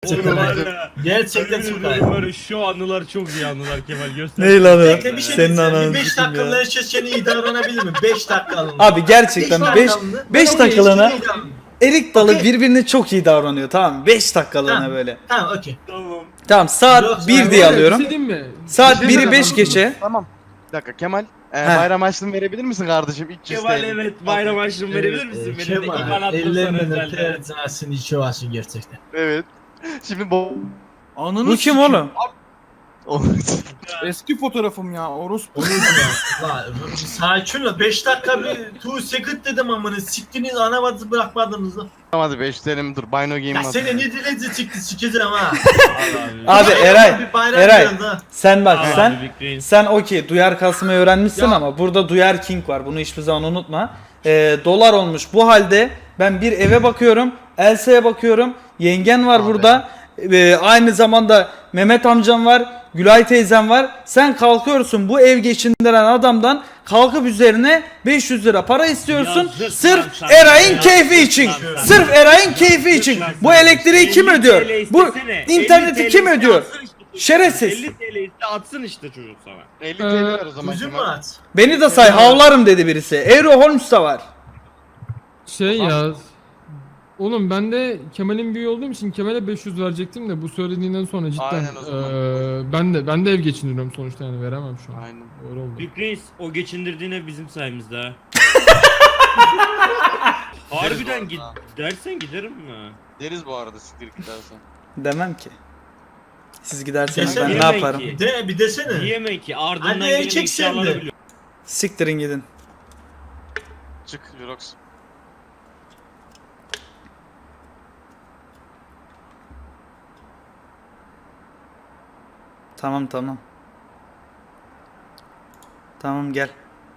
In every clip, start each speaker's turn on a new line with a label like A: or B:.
A: Gerçekten.
B: Var ya,
A: Gerçekten çok
B: yemin
A: ayıp.
B: ederim var ya, şu anılar çok iyi anılar Kemal, göster.
C: Ne lan o?
A: Bekle bir şey
C: Senin
A: diyeceğim.
C: ananı
A: Bir 5
C: sikeyim
A: dakikalığına
C: ya.
A: herkes seni iyi davranabilir mi? 5 dakikalığına.
C: Abi gerçekten 5 dakikalığına erik dalı
A: Okey.
C: birbirine çok iyi davranıyor, tamam mı? 5 dakikalığına
A: Tamam.
C: böyle.
A: Tamam okey.
B: Tamam.
C: Tamam, saat
A: Yok,
C: 1
A: ben
C: diye
A: böyle
C: alıyorum.
D: Bir şey diyeyim mi?
C: Saat
D: Bir şey
C: 1'i 5
D: söyleyeyim.
C: geçe.
E: Tamam. Bir dakika Kemal.
C: Heh.
E: Bayram harçlığını verebilir misin kardeşim? 300
B: Kemal
E: TL.
B: evet, bayram harçlığını verebilir misin? Benim de
A: Kemal,
B: İvan attım sana
A: ellerinden
B: özelden.
A: öper cansın içi varsın gerçekten.
E: Evet. Şimdi bu...
D: Ananı
C: Bu kim
D: sikeyim.
C: oğlum?
D: Eski fotoğrafım ya orospu.
A: Onu ya. Lan, sakin ol. 5 dakika bir 2 second dedim amına. Siktiniz anavazı bırakmadınız lan.
E: Hadi 5 TL'mi dur. Bino Game
A: Ya
E: at.
A: seni ne dileci çıktı sikeceğim ha.
C: Abi Eray,
A: Bir bayram
C: Eray.
A: biraz ha.
C: Sen bak,
B: Abi,
C: sen
B: Big Brain.
C: sen okey duyar kasmayı öğrenmişsin
D: Ya.
C: ama burada duyar king var. Bunu hiçbir zaman unutma. Dolar olmuş. Bu halde ben bir eve bakıyorum, Elsa'ya bakıyorum. Yengen var burada. Aynı zamanda Mehmet amcam var, Gülay teyzem var. Sen kalkıyorsun bu ev geçindiren adamdan, kalkıp üzerine 500 lira para istiyorsun.
B: Yazık
C: Sırf
B: lan sana.
C: Eray'ın
B: Yazık
C: keyfi
B: lan
C: için.
B: sana.
C: Sırf Eray'ın keyfi için.
B: lan
C: Bu
B: sana.
C: elektriği kim
B: 50
C: ödüyor?
B: TL
C: Bu
B: istesene.
C: interneti
B: 50
C: kim
B: TL
C: ödüyor?
B: atsın işte çocuk.
C: Şerefsiz.
B: 50 TL iste atsın işte çocuk sana.
E: 50 TL ver o zaman
A: Gözüm mü
E: Kemal.
A: aç?
C: Beni de say, havlarım dedi birisi. Eero Holmes da var.
F: Şey ya. Oğlum ben de Kemal'in büyüğü olduğum için Kemal'e 500 verecektim de bu söylediğinden sonra cidden
E: Aynen o zaman.
F: ben de ev geçindiriyorum sonuçta, yani veremem şu an.
E: Aynen.
F: Öyle oldu.
B: Big Reis o geçindirdiğine bizim sayemizde ha. Harbiden git dersen giderim mi?
E: Deriz bu arada siktir gidersen.
C: Demem ki. Siz giderseniz
A: Desene.
C: ben ne
B: Yemek
C: yaparım?
B: ki.
A: De bir desene.
B: Diyemem ki ardından
A: Hadi
B: gelen
A: erkek sen
B: eşyaları
A: de.
B: biliyor.
C: Siktirin gidin.
E: Çık Jirox.
C: Tamam tamam. Tamam gel.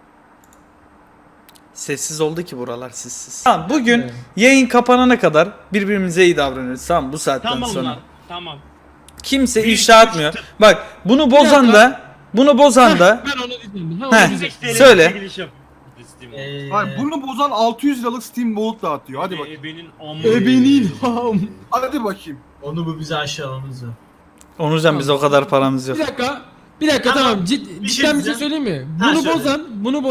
C: Sessiz oldu ki buralar, sessiz. Tamam, bugün
F: Evet.
C: yayın kapanana kadar birbirimize iyi davranıyoruz, tamam mı? Bu saatten
B: Tamam
C: sonra.
B: lan tamam.
C: Kimse
B: Bir,
C: ifşa
B: üç,
C: atmıyor. Bak bunu bozan
F: Bir
C: da bunu bozan da
F: Ben onu diyeceğim.
C: Heh.
B: 35 TL
C: Söyle.
B: çekiliş yap. Steam'e.
D: Hayır bunu bozan 600 liralık Steam Vault dağıtıyor. Hadi bakayım.
B: Ebenin amı.
F: Ebenin ham.
D: Hadi bakayım.
A: Onu bu bize aşağılamız yok.
C: Onurcan biz o kadar paramız yok.
F: Bir dakika. Bir dakika
A: Tamam.
F: tamam.
A: Bir şey
F: Cidden bir şey
A: diyeceğim.
F: söyleyeyim mi?
A: Ha,
F: Bunu
A: söyle.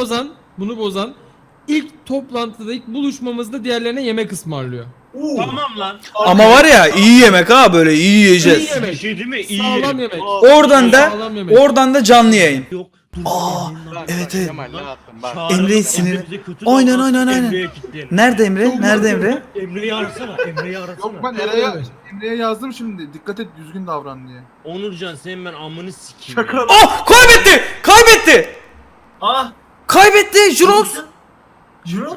F: bunu bozan ilk toplantıda, ilk buluşmamızda diğerlerine yemek ısmarlıyor.
B: Tamam lan.
C: Ama var ya, iyi yemek ha, böyle iyi yiyeceğiz.
F: İyi yemek.
B: Bir şey değil mi? İyi
F: Sağlam
B: yerim.
F: yemek.
C: Oradan da
F: Sağlam yemek.
C: canlı yayın.
B: Yok. Dur,
E: Bak,
C: Evet,
E: bak,
C: evet.
E: Kemal ne yaptın bak.
B: Çağıralım,
C: Emre'yi sinir-
B: Emre bize kötü
C: Aynen,
B: davransın,
C: aynen, aynen.
B: Emre'ye kilitleyelim.
C: Nerede Emre? Nerede Emre?
B: Emre'yi arasana. Emre'yi arasana.
D: Yok ben Emre'ye yazdım şimdi. Dikkat et düzgün davran diye.
B: Onurcan senin ben amını sikeyim.
D: Şaka.
B: ya.
C: Ah, kaybetti! Kaybetti!
A: Ah!
C: Kaybetti Jurox!
A: Jirox?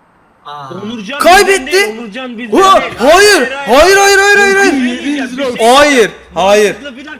A: Aa.
B: Onurcan
C: Kaybetti.
B: bizden değil, Onurcan bizden
C: Ulan,
B: değil.
C: hayır! Hayır hayır hayır hayır hayır! Hayır, hayır.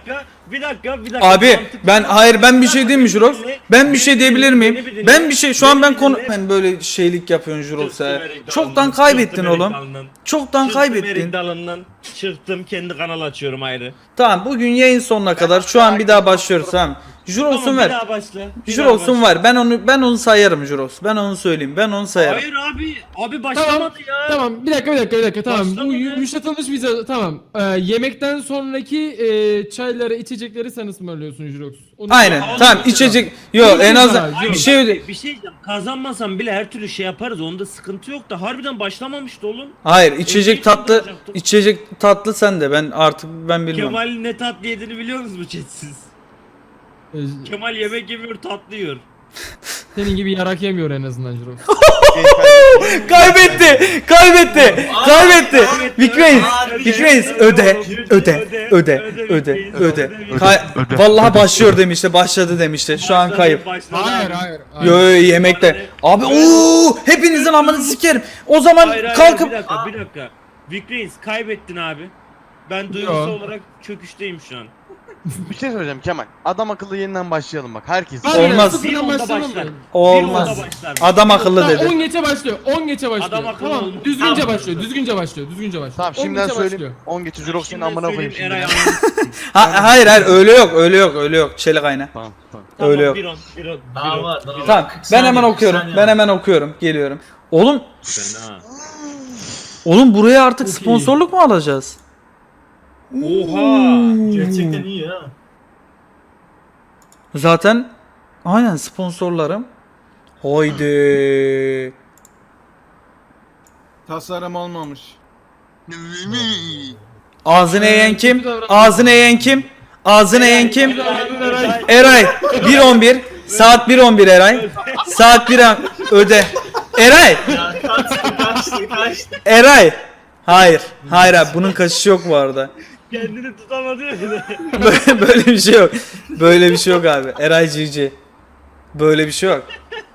B: Bir dakika.
C: Abi
B: Mantıklı.
C: ben bir şey diyeyim mi Jurox? Ben bir şey diyebilir miyim?
B: Beni bir dinle.
C: Ben bir şey, şu an ben
B: Beni
C: konu...
B: dinle.
C: Ben böyle şeylik yapıyorsun Jurox
B: Çıktım
C: ya.
B: Erik
C: Çoktan
B: dalından,
C: kaybettin
B: çıktım Erik
C: oğlum.
B: dalından.
C: Çoktan
B: Çıktım
C: kaybettin.
B: Erik dalından, çıktım kendi kanal açıyorum ayrı.
C: Tamam, bugün yayın sonuna kadar şu an bir daha başlıyoruz, tamam. Jurox'un
B: Tamam bir
C: ver.
B: daha başla. bir daha
C: Jurox'un
B: başla.
C: var. Ben onu sayarım Jurox. Ben onu söyleyeyim. Ben onu sayarım.
B: Hayır abi başlamadı ya.
F: Tamam bir dakika tamam. Bu
B: Başlamadı.
F: yumuşatılmış vize tamam. Yemekten sonraki çayları, içecekleri sen ısmarlıyorsun Jirox. Onu-
C: Aynen.
B: Oğlum,
C: Tamam,
B: güzel.
C: içecek. Yok, en azından
F: Hayır,
C: bir şey öde.
B: Bir şey diyeceğim. Kazanmasam bile her türlü şey yaparız. Onda sıkıntı yok da harbiden başlamamıştı oğlum.
C: Hayır, içecek
B: Evde
C: tatlı.
B: yapacaktım.
C: İçecek tatlı sen de. Ben artık bilmiyorum.
B: Kemal'in ne tatlı yediğini biliyor musunuz chatsiz?
F: Ee,
B: Kemal yemek yemiyor, tatlı yiyor.
F: Senin gibi yarak yemiyor en azından Jirox.
C: Kaybetti. Big Reis. Big Reis öde. Vallahi başlıyor demişti. Başladı demişti. Şu an kayıp.
F: Hayır.
C: Yo yemekte. Abi ooo, hepinizin amını sikerim. O zaman kalkıp
B: Bir dakika. Big Reis kaybettin abi. Ben duygusal
F: Yo.
B: olarak çöküşteyim şu an.
E: Bir şey söyleyeceğim Kemal. Adam akıllı yeniden başlayalım bak. Herkes.
F: Hayır,
C: Olmaz.
F: sıfırdan
B: Bir onda
F: başlayalım
B: başlar.
F: mı?
C: olmaz.
B: Bir onda başlar.
C: Adam akıllı
F: Tamam, 10
C: dedi.
F: geçe başlıyor. 10 geçe başlıyor.
B: Adam akıllı
F: Tamam,
B: olmuş.
F: düzgünce
B: Tamam.
F: başlıyor.
E: Tamam
F: 10
E: şimdiden
F: geçe
E: söyleyeyim.
F: başlıyor.
E: 10 geçi Jirox'un
B: Şimdiden
E: amına koyayım
B: söyleyeyim,
E: şimdi.
B: Eray anlatsın.
C: Hayır öyle yok. Çelik ayna.
E: Tamam tamam.
B: Tamam,
C: Öyle yok.
B: bir on.
A: Daha var. Daha var.
C: Tamam,
A: 40
C: ben hemen
A: saniye, 40
C: okuyorum.
A: saniye
C: Ben
A: var.
C: hemen okuyorum. Geliyorum. Oğlum
B: Fena.
C: buraya artık
F: Çok iyi.
C: sponsorluk mu alacağız?
B: Oha.
A: Gerçekten iyi ha.
C: Zaten aynen sponsorlarım. Haydi.
D: Tasarım olmamış.
C: Ağzını eğen kim?
F: kötü davranma.
C: Ağzını eğen kim? Ağzını eğen kim? Eray 1.11 saat 1.11 Eray. Saat 1 öde. Eray.
A: Ya kaçtı.
C: Eray. Hayır. Hayır abi bunun kaçışı yok bu arada.
B: Kendini tutamadı ya.
C: Böyle bir şey yok. Böyle bir şey yok abi. Eray GG. Böyle bir şey yok.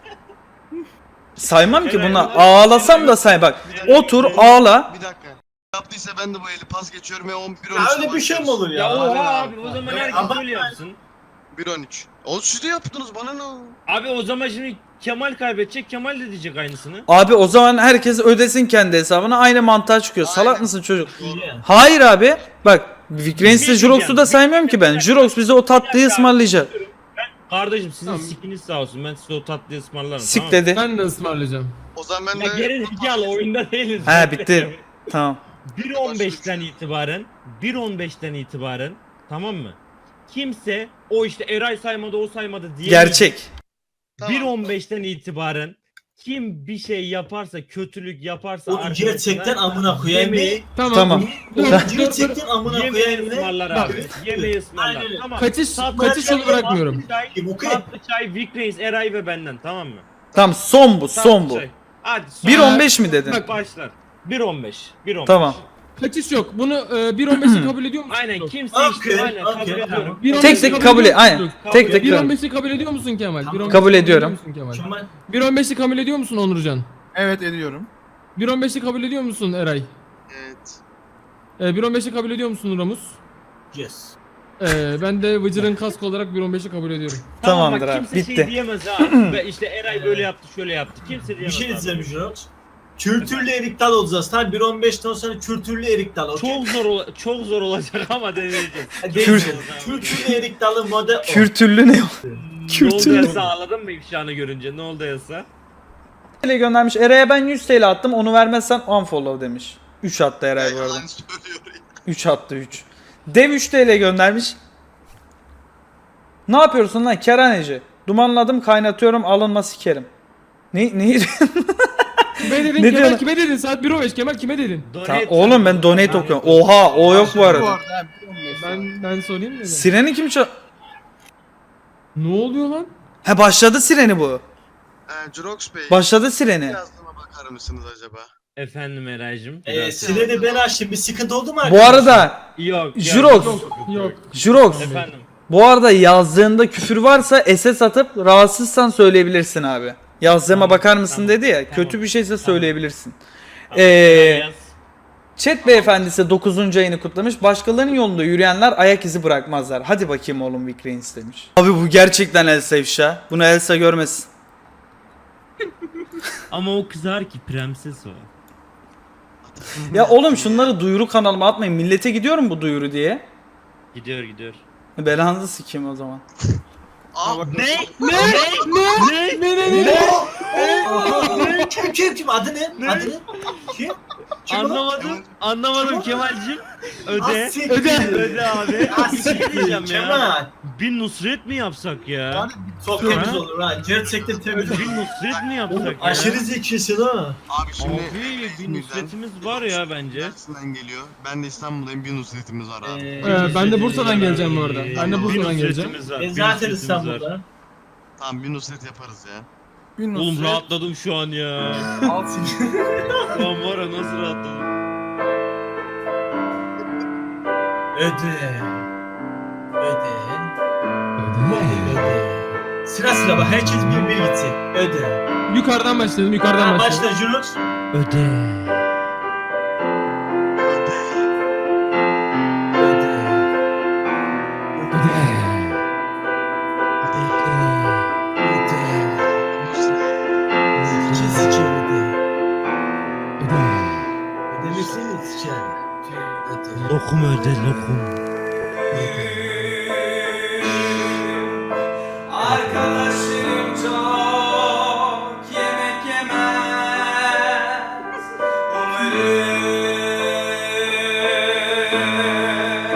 C: Saymam ki buna. Ağlasam da say bak. Otur ağla.
E: Bir dakika. Yaptıysa ben de bu eli pas geçiyorum ve 11 13.
A: Ya öyle bir şey mi olur ya?
B: Ya oha
A: Hadi
B: abi o zaman
A: Ya
B: herkes
A: ama-
B: öyle yapsın.
E: 1 13. O siz de yaptınız bana ne?
B: Abi o zaman şimdi Kemal kaybedecek, Kemal de diyecek aynısını.
C: Abi o zaman herkes ödesin kendi hesabına. Aynı mantığa çıkıyor. Salak
E: Aynen.
C: mısın çocuk?
A: İyi ya.
C: Hayır abi. Bak Vikrens'le
B: Bir
C: Jurox'u da
B: diyeceğim.
C: saymıyorum ki ben. Jurox bize o tatlıyı ısmarlayacak.
B: Kardeşim sizin
F: Tamam.
B: sikiniz sağ olsun, ben size o tatlıyı ısmarlarım.
C: Sik
B: tamam mı?
C: dedi.
F: Ben de ısmarlayacağım.
E: O zaman ben
B: Ya
E: de
B: geri zekalı oyunda değiliz.
C: He bitti. Tamam.
B: 1.15'ten itibaren tamam mı? Kimse o işte Eray saymadı o saymadı diye
C: Gerçek.
E: Tamam.
B: 1.15'ten itibaren kim bir şey yaparsa, kötülük yaparsa
A: Onu gerçekten amına koyayım.
B: yemeği,
F: Tamam.
C: Tamam.
F: Dur,
A: Onu
F: dur, dur.
A: gerçekten amına
B: yemeği
A: koyayım.
B: ısmarlar
F: Bak.
B: abi. Yemeği ısmarlar.
A: Aynen öyle.
B: Tamam.
F: Kaçış
B: Tatlı
F: kaçış
B: çay,
F: yolu bırakmıyorum.
B: Tatlı çay,
A: Kim okey?
B: tatlı çay, Vic Reis, Eray ve benden tamam mı?
C: Tamam son bu son
B: Tatlı
C: bu.
B: çay. Hadi son
C: 1.15 mi dedin?
B: Bak başlar. 1.15. 1.15.
C: Tamam.
F: Kaçış yok. Bunu 1.15'i kabul ediyor musun?
B: Aynen kimse
A: Okey,
B: işte aynen kabul
A: okey,
B: ediyorum.
A: tamam.
F: 1.15'i
C: Tek tek kabul et. Aynen. Tek tek kabul.
F: 1.15'i kabul ediyor musun Kemal? 1.15'i
C: Kabul ediyorum.
F: musun Kemal?
A: Kemal.
F: 1.15'i kabul ediyor musun Onurcan?
D: Evet ediyorum.
F: 1.15'i kabul ediyor musun Eray?
E: Evet.
F: 1.15'i kabul ediyor musun Ramus?
A: Yes.
F: Ben de Vıcır'ın kask olarak 1.15'i kabul ediyorum.
C: Tamamdır
B: bak,
C: abi,
B: kimse
C: bitti.
B: şey diyemez ha. Ve işte Eray böyle yaptı, şöyle yaptı. Kimse
A: Bir
B: diyemez.
A: şey
B: abi.
A: diyeceğim Jurox. Kültürlü erik dal olacağız. Tamam 1.15'ten sonra kültürlü erik dal. okey?
B: Çok zor olacak ama deneyeceğiz.
A: Kültürlü erik dalı model o.
C: Kürtüllü ne o?
B: Ne oldu
C: Kürtüllü.
B: yasa ağladın mı ifşanı görünce? Ne oldu yasa?
C: TL göndermiş. Eray'a ben 100 TL attım. Onu vermezsen unfollow demiş. 3 attı Eray bu arada.
E: Yalan söylüyor ya.
C: 3 attı 3. Dev 3 TL göndermiş. Ne yapıyorsun lan kerhaneci? Dumanladım kaynatıyorum alınma sikerim. Ne?
F: Kime dedin
C: Ne
F: Kemal
C: diyorsun?
F: kime dedin? Saat 1.15 Kemal kime dedin?
C: Oğlum ben donate okuyorum. Oha o yok bu
D: Bu
C: arada.
D: arada hem 15.
F: Ben sorayım dedim.
C: Sireni kim çal...
F: Ne oluyor lan?
C: He başladı sireni bu.
E: Jurox Bey.
C: Başladı sireni.
E: Yazdığıma bakar mısınız acaba?
B: Efendim Eray'cım.
A: Sinirde ben açtım. Bir sıkıntı oldu mu
C: Bu
A: arkadaşlar?
C: arada
B: Yok.
C: Jurox.
F: Yok.
C: Jurox.
B: Efendim.
C: Bu arada yazdığında küfür varsa SS atıp rahatsızsan söyleyebilirsin abi. Yazdığıma
B: Tamam,
C: bakar mısın
B: tamam,
C: dedi ya.
B: tamam,
C: Kötü bir şeyse söyleyebilirsin.
B: Tamam, yaz.
C: Chat beyefendisi 9. ayını kutlamış. Başkalarının yolunda yürüyenler ayak izi bırakmazlar. Hadi bakayım oğlum Vikrens demiş. Abi bu gerçekten Elsa ifşa. Bunu Elsa görmesin.
B: Ama o kızar ki prenses o.
C: Ya oğlum şunları duyuru kanalıma atmayın. Millete gidiyorum bu duyuru diye.
B: Gidiyor.
C: Belanızı sikeyim o zaman.
E: Aa,
B: Ne?
A: Kim? Adı ne? Adı ne? Kim? Kim o?
B: Anlamadım Kemal'cim. Öde.
A: Asiktir.
B: Öde abi.
A: Asiktir.
B: Diyeceğim ya.
A: Kemal.
B: Bir Nusret mi yapsak ya?
D: Yani
A: Çok temiz olur ha. Gerçekten temiz olur.
B: Bir Nusret mi yapsak ya?
A: Aşırı zekisin ha.
E: Abi şimdi
B: Abi bir Nusret'imiz var ya bence.
E: Dersinden geliyor. Ben de İstanbul'dayım. Bir Nusret'imiz var abi.
F: Ben de Bursa'dan geleceğim bu arada. Ben de
B: Bir
F: Bursa'dan geleceğim.
B: Nusret'imiz var,
A: Ben
B: bir
A: zaten
B: Nusret'imiz
A: İstanbul'da.
B: var.
E: Tamam bir Nusret yaparız ya.
D: bir
B: Oğlum
D: Nusret,
B: rahatladım şu an ya.
D: al seni.
B: Şu an var ya nasıl rahatladım.
A: Öde. Sıra sıra bak. Herkes bir gitsin. Öde.
F: Yukarıdan başladım, yukarıdan
A: Ha,
F: başladım.
A: başla Jurox.
B: Öde.
A: Öde. Öde. Sike öde. Ödemesini sike. Öde.
B: Lokum öde lokum.
C: Arkadaşlarım çok yemek yemez. Umarım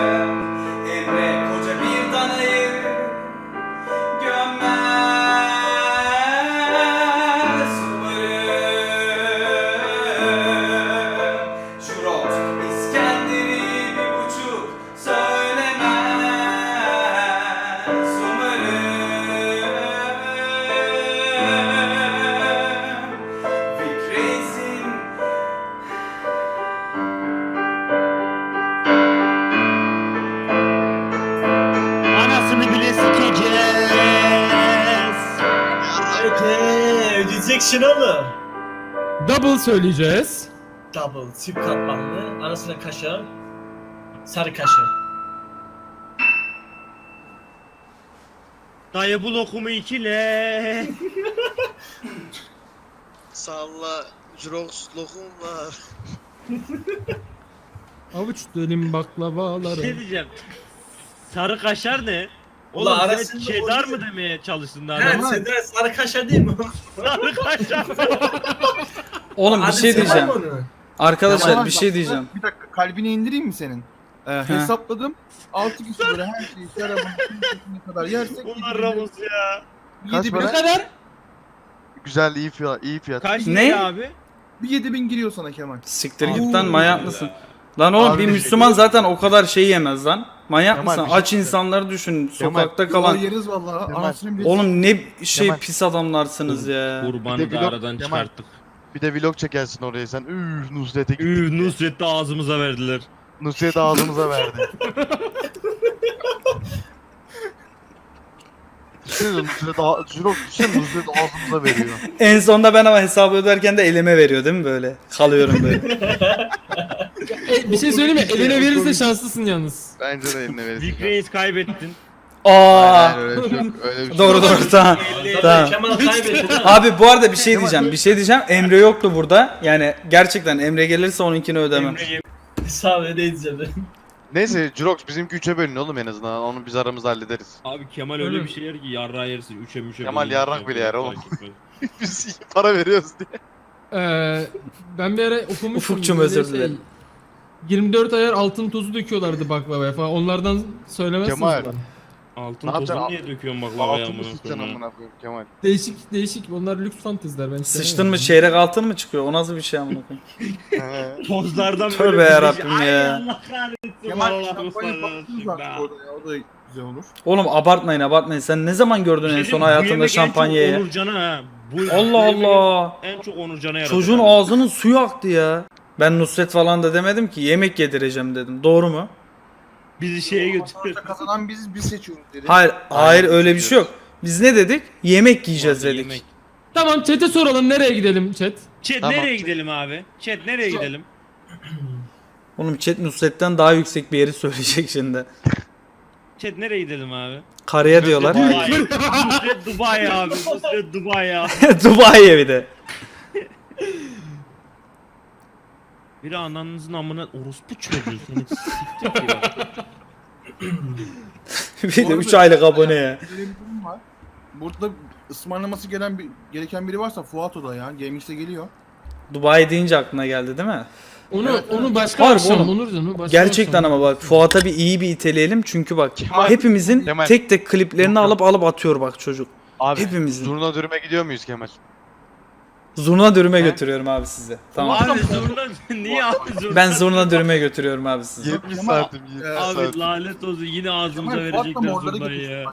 A: Ödeyeceksin oğlum.
F: Double söyleyeceğiz.
A: Double, çift katmanlı, arasına kaşar, sarı kaşar.
B: Dayı bu lokumu ikile.
G: Salla, Jirox lokum var.
F: Avuç dönüm baklavaları.
B: Şey diyeceğim. Sarı kaşar ne?
A: Ulan
B: Oğlum sen
A: arasında
B: cheddar
A: o-
B: mı demeye çalıştın daha?
A: Evet,
B: demin?
A: Sedra sarı kaşar değil mi?
B: Sarı kaşar.
C: Oğlum bir
A: Hadi
C: şey
A: sever
C: diyeceğim.
A: mi onu?
C: Arkadaşlar
D: Kemal,
C: bir şey
D: bak,
C: diyeceğim.
D: Bir dakika kalbine indireyim mi senin? Hesapladım. 6 kişi böyle her şeyi şarabın ne kadar yersek
B: Bunlar Ramos ya.
E: Kaç
D: 7000
E: para?
F: kadar?
E: Güzel, iyi fiyat, iyi fiyat.
B: Kaç
C: Ne?
B: lira abi?
D: bir 7000 giriyor sana Kemal.
C: Siktir
A: Oo.
C: git lan, manyak mısın? Lan oğlum
E: Abi
C: bir
E: bir şey
C: Müslüman zaten o kadar şey yemez lan. Manyak
E: Kemal,
C: mısın?
E: bir şey
C: Aç insanları düşün.
E: Kemal,
C: Sokakta
D: Kalan
C: kalan.
D: yeriz vallahi.
E: Kemal.
D: Anasını bile.
C: Oğlum ne şey
E: Kemal.
C: pis adamlarsınız ya.
B: Kurbanı
E: Bir de
B: da
E: vlog-
B: aradan
E: Kemal.
B: çıkarttık.
E: Bir de vlog çekersin oraya sen. Nusret'e gittik.
B: Nusret'i ağzımıza verdiler.
E: Nusret ağzımıza verdi. Düşünsene Nusret ağzımıza veriyor.
C: En sonunda ben ama hesabı öderken de elime veriyor değil mi böyle? Kalıyorum böyle.
F: Bir şey söyleyeyim mi? Eline verirse şanslısın yalnız.
E: Bence de eline verirsin.
B: Big Reis kaybettin.
C: Aa.
E: Hayır, öyle bir şey yok. Öyle bir şey
C: Doğru
E: yok.
C: doğru tamam.
A: Zaten
C: Tamam.
A: Kemal kaybetti.
C: Abi bu arada bir şey diyeceğim. Bir şey diyeceğim. Emre yoktu burada. Yani gerçekten Emre gelirse onunkini ödemem.
A: Sağ ol, ödeyeceğim.
E: Neyse Jirox bizimki 3'e bölün oğlum en azından. Onu biz aramızda hallederiz.
B: Abi Kemal öyle bir şey yer ki yarrağı yersin. Üçe müşe.
E: Kemal
B: bölünür.
E: yarrak bile yer oğlum.
B: Fark etmez.
E: Biz iyi para veriyoruz diye.
F: Ben bir ara okumuştum.
C: Ufukçum,
F: böyle
C: özür dilerim.
F: 24 ayar altın tozu döküyorlardı baklavaya falan. Onlardan söylemezsiniz
E: Kemal.
F: bana.
B: Altın
E: Ne
B: tozunu
E: yapacaksın?
B: niye döküyorsun baklavaya
E: Altını
B: amına
E: sıçacaksın
B: koyayım?
E: amına koyayım Kemal.
F: Değişik. Onlar lüks fanteziler ben
C: Sıçtın mı çeyrek altın mı çıkıyor? O nasıl bir şey amına koyayım?
E: He.
B: Tozlardan
C: Tövbe
B: böyle bir
C: yarabbim
B: Ay
C: ya.
B: Allah kahretsin.
D: Kemal
B: vallahi
D: şampanya
B: dostlar
D: patlatırız artık
B: arasında.
D: orada ya. O da güzel olur.
C: Oğlum abartmayın. Sen ne zaman gördün en
B: Şey
C: son
B: diyeyim mi? Bu
C: hayatında
B: yemek en çok
C: şampanyayı?
B: Onurcan'a ha.
C: Allah
B: bu yemek
C: Allah.
B: En çok Onurcan'a yaradı.
C: Çocuğun
B: bence.
C: ağzının suyu aktı ya. Ben Nusret falan da demedim ki, yemek yedireceğim dedim. Doğru mu?
B: Bizi şeye götür.
D: Sonuçta kazanan biz seçiyoruz dedi.
C: Hayır öyle bir şey yok. Biz ne dedik? Yemek yiyeceğiz
B: Abi
C: dedik.
B: yemek.
F: Tamam chat'e soralım nereye gidelim chat?
B: Chat
E: Tamam.
B: nereye gidelim abi? Chat nereye gidelim?
C: Oğlum chat Nusret'ten daha yüksek bir yeri söyleyecek şimdi.
B: Chat nereye gidelim abi?
C: Karaya diyorlar.
B: Dubai. Nusret Dubai abi. Nusret Dubai abi.
C: Dubai'ye bir de.
B: Biri ananızın amına orospu çocuğu seni siktir ki ya.
C: Bir de 3 aylık abone ya.
D: Böyle bir durum var. Burada ısmarlaması gereken biri varsa Fuat o da ya. GameX'e geliyor.
C: Dubai deyince aklına geldi değil mi?
F: Onu başka
C: Harbi
F: akşam
C: oğlum.
F: Onurcan. Başka
C: Gerçekten
F: akşam.
C: ama bak Fuat'a bir iyi bir iteleyelim çünkü bak
E: Kemal-
C: hepimizin
E: Kemal.
C: tek tek kliplerini alıp atıyor bak çocuk.
E: Abi
C: Hepimizin.
E: zurna dürüme gidiyor muyuz Kemal?
C: Zurna dürüme
E: He?
C: götürüyorum abi sizi. Tamam.
B: Abi zurna niye abi zurna?
C: Ben zurna dürüme götürüyorum abi sizi.
E: 70
D: Kemal,
E: santim 70
B: Abi
E: santim.
B: lanet olsun yine ağzımıza
D: Kemal, Fuat'la
B: verecekler
D: morları
B: zurnayı
D: götürsün.
B: ya.